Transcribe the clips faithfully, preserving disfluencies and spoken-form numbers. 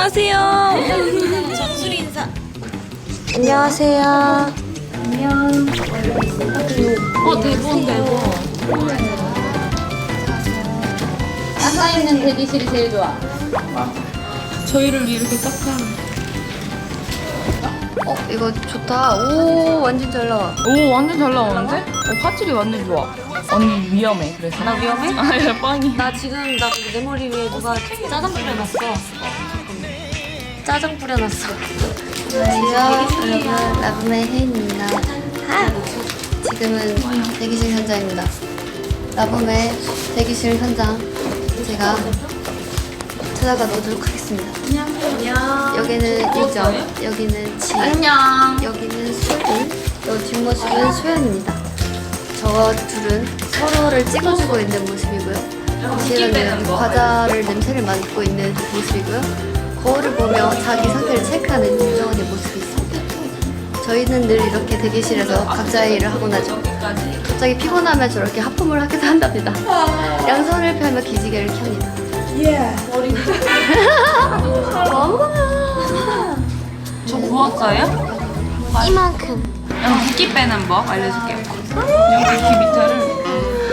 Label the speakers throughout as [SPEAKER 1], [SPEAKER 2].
[SPEAKER 1] 안녕하세요. 정수리 인사.
[SPEAKER 2] 안녕하세요.
[SPEAKER 1] 안녕. 어 대본 대본.
[SPEAKER 3] 아까 있는 대기실이 제일 좋아.
[SPEAKER 1] 저희를 이렇게 싹
[SPEAKER 2] 어, 이거 좋다. 오, 완전 잘 나와.
[SPEAKER 1] 오 완전 잘 나오는데? 어 화질이 완전 좋아. 언니 위험해 그래서.
[SPEAKER 2] 나 위험해?
[SPEAKER 1] 아야 뻥이.
[SPEAKER 2] 나 지금 나 내 머리 위에 누가 짜장 뿌려놨어. 짜장 뿌려놨어. 안녕하세요, 여러분. 라붐의 혜인입니다. 하! 지금은 대기실 현장입니다. 라붐의 대기실 현장 제가 찾아가 보도록 하겠습니다.
[SPEAKER 1] 안녕.
[SPEAKER 2] 여기는 일정, 여기는 지,
[SPEAKER 1] 안녕.
[SPEAKER 2] 여기는 수인, 여 뒷모습은 소연입니다. 저 둘은 서로를 찍어주고 있는 모습이고요. 지은은 과자를 냄새를 맡고 있는 모습이고요. 거울을 보며 자기 상태를 체크하는 윤정원의 모습이 있습니다. 저희는 늘 이렇게 대기실에서 각자의 일을 하고 나죠. 갑자기 피곤하면 저렇게 하품을 하기도 한답니다. 양손을 펴며 기지개를 켭니다.
[SPEAKER 1] 저 부었어요?
[SPEAKER 2] 이만큼.
[SPEAKER 1] 양 붓기 빼는 법 알려줄게요. 여기 귀 밑에를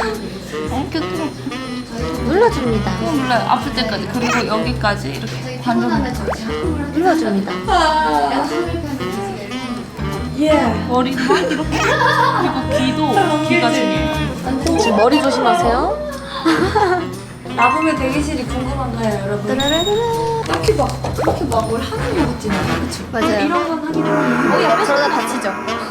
[SPEAKER 2] 눌러줍니다.
[SPEAKER 1] 꾹 눌러요. 아플 때까지. 그리고 여기까지 이렇게 반전.
[SPEAKER 2] 눌러줍니다.
[SPEAKER 1] 머리만 이렇게. 그리고 귀도 귀가 중요해요.
[SPEAKER 2] 지금 머리 조심하세요.
[SPEAKER 3] 라붐의 대기실이 궁금한가요, 여러분?
[SPEAKER 2] 따라라라.
[SPEAKER 3] 딱히 막 그렇게 막 뭘 하는 것 같진 않아요, 그쵸?
[SPEAKER 2] 맞아요.
[SPEAKER 3] 이런 건 하긴 하는데.
[SPEAKER 2] 어, 옆에 저러다 다치죠.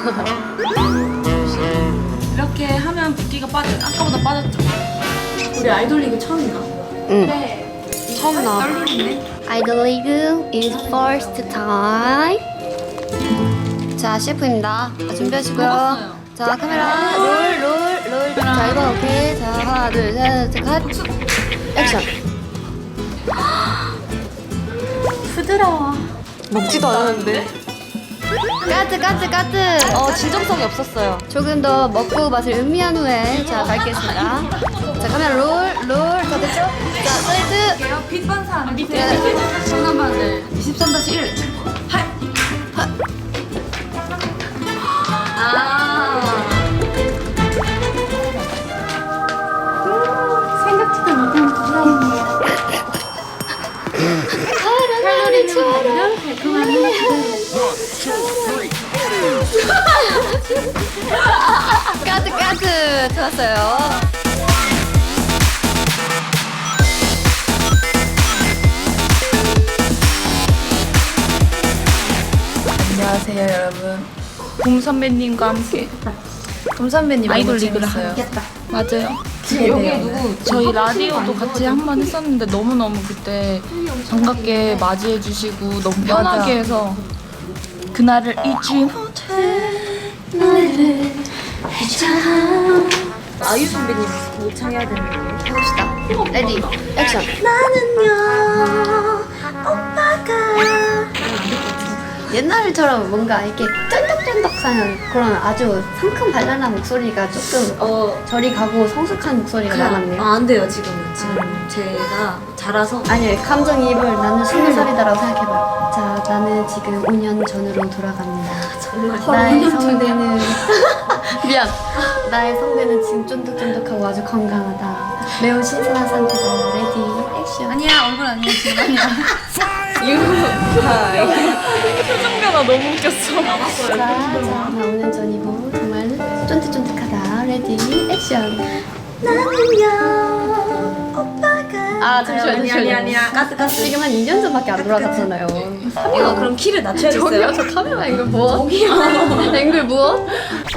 [SPEAKER 1] 이렇게 하면 붓기가 빠져. 아까보다 빠졌죠?
[SPEAKER 3] 우리 아이돌 리그 처음이다.
[SPEAKER 2] 응. 처음 나와.
[SPEAKER 1] 떨리는데?
[SPEAKER 2] 아이돌 리그 is first time. 자, 셰프입니다. 자, 준비하시고요.
[SPEAKER 1] 먹었어요.
[SPEAKER 2] 자, 카메라 롤, 롤, 롤. 자, 일 번 오케이. 자, 하나, 둘, 셋, 셋, 컷. 액션. 부드러워.
[SPEAKER 1] 먹지도 않았는데?
[SPEAKER 2] 까트, 까트, 까트.
[SPEAKER 1] 어, 진정성이 없었어요.
[SPEAKER 2] 조금 더 먹고 맛을 음미한 후에 자, 밝겠습니다. 자, 카메라 롤, 롤. 다 됐죠? 자, 사이드.
[SPEAKER 3] 빛 반사 안
[SPEAKER 1] 밑에
[SPEAKER 2] 네.
[SPEAKER 1] 장난반을 이십삼 다시 일.
[SPEAKER 2] 아.
[SPEAKER 3] 생각지도 못한 부담이에요. 칼로리 채우면 달콤한
[SPEAKER 2] 까트, 까트. 좋았어요.
[SPEAKER 1] 안녕하세요, 여러분. 봄 선배님과 함께
[SPEAKER 2] 곰 선배님
[SPEAKER 1] 아이돌 리그를 하요. 맞아요. 여기 누구 저희 라디오도 같이 한 번 했었는데 너무너무 그때 반갑게 맞이해 주시고 너무 편하게 해서 그날을 잊지 못해.
[SPEAKER 3] 아이유 선배님 모창해야 되는 거예요.
[SPEAKER 2] 해봅시다. 레디, 액션.
[SPEAKER 3] 나는요 오빠가
[SPEAKER 2] 옛날처럼 뭔가 이렇게 쫀득쫀득하는 그런 아주 상큼 발랄한 목소리가 조금
[SPEAKER 3] 어
[SPEAKER 2] 저리 가고 성숙한 목소리가 나갔네요.
[SPEAKER 3] 아, 안 돼요 지금은. 지금 제가 자라서
[SPEAKER 2] 아니, 감정이입을 나는 스무 살이다라고 생각해봐요. 자, 나는 지금 오 년 전으로 돌아갑니다. 나의 성대는 미안. 나의 성대는 지금 쫀득쫀득하고 아주 건강하다. 매우 신선한 상태다. 레디, 액션.
[SPEAKER 1] 아니야 얼굴 아니야 지금 아니야. 표정 변화 너무 웃겼어.
[SPEAKER 2] 자, 자, 나 오 년 전이고 정말 쫀득쫀득하다. 레디, 액션.
[SPEAKER 3] 나는요 오빠가
[SPEAKER 2] 아, 잠시만요.
[SPEAKER 3] 아니 아니 아니야 가스 가스.
[SPEAKER 2] 지금 한 이 년 전밖에 안 돌아갔잖아요.
[SPEAKER 3] 이거 그럼 키를 낮춰야겠어요?
[SPEAKER 2] 저기요, 저 카메라 앵글 무엇? 저기요. 앵글 무엇?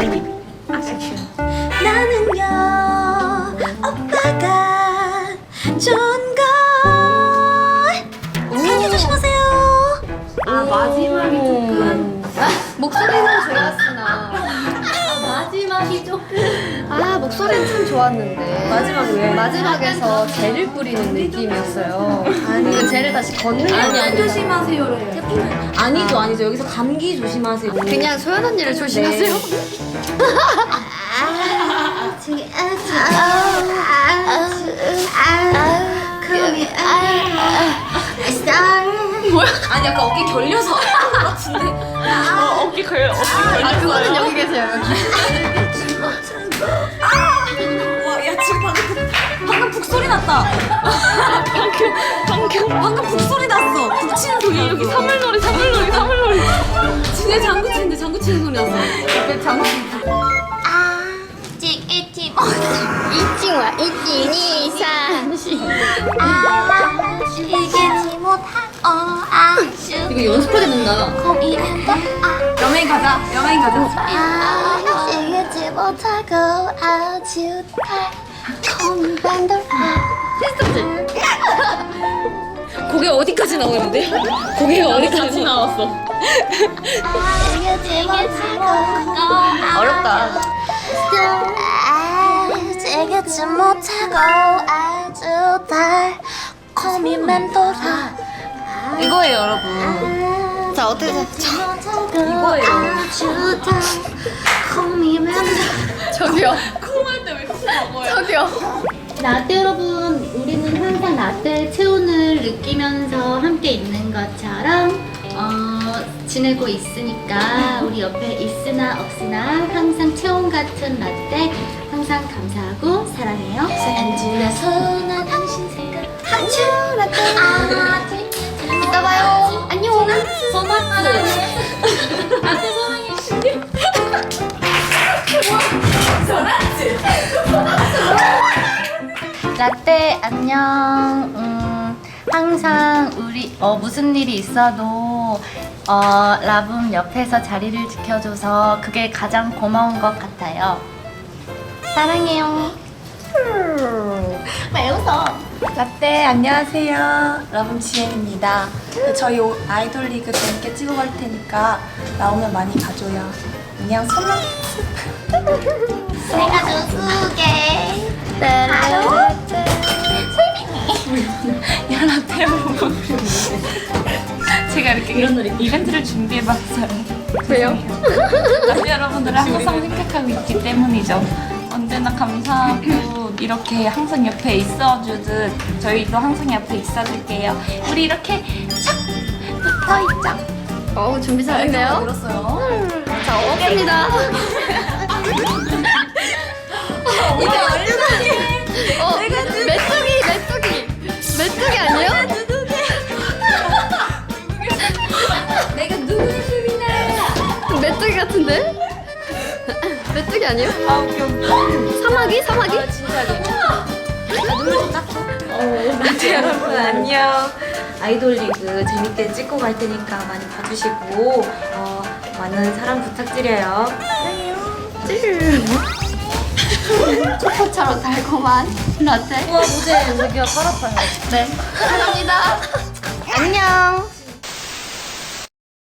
[SPEAKER 3] 나는요 오빠가 좋은 걸 생겨 조심하세요. 아 마지막이 조금
[SPEAKER 2] 목소리는 좋았으나
[SPEAKER 3] 마지막이 조금
[SPEAKER 2] 아, 목소리는 참 좋았는데
[SPEAKER 3] 마지막에 왜?
[SPEAKER 2] 마지막에서 젤을 뿌리는 느낌이었어요. 아니, 그 젤을 다시 걷는
[SPEAKER 3] 아니 아니
[SPEAKER 2] 게
[SPEAKER 3] 조심하세요를 아니죠 아니죠 여기서 감기 조심하세요.
[SPEAKER 2] 그냥 소연 언니를 조심하세요.
[SPEAKER 3] 아니 약간 어깨 결려서 같은데.
[SPEAKER 1] 어, 어깨 걸 어깨 걸.
[SPEAKER 2] 아 그거는 여기 계세요 여기.
[SPEAKER 3] 와야 지금 방금 방금 북 소리 났다.
[SPEAKER 1] 방금 방금
[SPEAKER 3] 방금 북 소리 났어. 북 치는 소리.
[SPEAKER 1] 여기 사물놀이 사물놀이 사물놀이.
[SPEAKER 3] 진짜 장구 치는데 장구 치는 소리 났어.
[SPEAKER 2] 옆에 장수.
[SPEAKER 4] 아직 잊지 못한
[SPEAKER 2] 이칭와 이칭이 삼시.
[SPEAKER 4] 이기지 못한 어 아주
[SPEAKER 2] 이거 연습하게 된다.
[SPEAKER 4] 고민한다
[SPEAKER 3] 여행 가자. 여행 가자.
[SPEAKER 4] 아직이지 못하고 아주 달콤한
[SPEAKER 3] 고개 어디까지 나오는데? 고개가 어디까지
[SPEAKER 1] 나왔어.
[SPEAKER 4] 아직이지 못하고
[SPEAKER 2] 어렵다.
[SPEAKER 4] 아직이지 못하고 아주 달콤히 맴돌아
[SPEAKER 3] 이거예요, 여러분.
[SPEAKER 2] 자 어떻게 돼?
[SPEAKER 4] 이거예요 아주 달콤히 맴돌아
[SPEAKER 2] 저기요.
[SPEAKER 1] 콩할 때 왜 콩 먹어요?
[SPEAKER 2] 저기요.
[SPEAKER 5] 라떼 여러분, 우리는 항상 라떼의 체온을 느끼면서 함께 있는 것처럼 어, 지내고 있으니까 우리 옆에 있으나 없으나 항상 체온 같은 라떼 항상 감사하고 사랑해요.
[SPEAKER 4] 안주라서 나 당신 생각 한주라도 아직
[SPEAKER 2] 이따 봐요.
[SPEAKER 4] 안녕 소마트 라떼
[SPEAKER 5] 라떼 안녕. 음, 항상 우리 어, 무슨 일이 있어도 어, 라붐 옆에서 자리를 지켜줘서 그게 가장 고마운 것 같아요. 사랑해요.
[SPEAKER 4] 왜 웃어
[SPEAKER 6] 라떼 안녕하세요. 라붐 지혜입니다. 저희 오- 아이돌 리그 재밌게 찍어 갈 테니까 나오면 많이 봐줘요. 안녕 선아.
[SPEAKER 4] 내가 누구게 바로
[SPEAKER 1] 야 라떼 보고. 제가 이렇게 이런 이벤트를 준비해봤어요.
[SPEAKER 2] 왜요?
[SPEAKER 1] 라떼 여러분들을 항상 생각하고 있기 때문이죠. 언제나 감사하고 이렇게 항상 옆에 있어주듯 저희도 항상 옆에 있어줄게요. 우리 이렇게 착 붙어있자.
[SPEAKER 2] 어우 준비 잘했네요.
[SPEAKER 3] 들었어요.
[SPEAKER 2] 자 먹었습니다. 이게 얼마나? 어 메뚜기 메뚜기 메뚜기 아니에요?
[SPEAKER 3] 내가 누구의 수빈아?
[SPEAKER 2] 메뚜기 같은데? 메뚜기 아니에요?
[SPEAKER 1] 아 웃겨.
[SPEAKER 2] 사마귀 사마귀?
[SPEAKER 6] 라떼 여러분 안녕. 아이돌 리그 재밌게 찍고 갈 테니까 많이 봐주시고 어, 많은 사랑 부탁드려요.
[SPEAKER 2] 초코처럼 달콤한 라떼.
[SPEAKER 3] 우와 무대 여기가 팔 아파요.
[SPEAKER 2] 네. 사랑합니다. 안녕.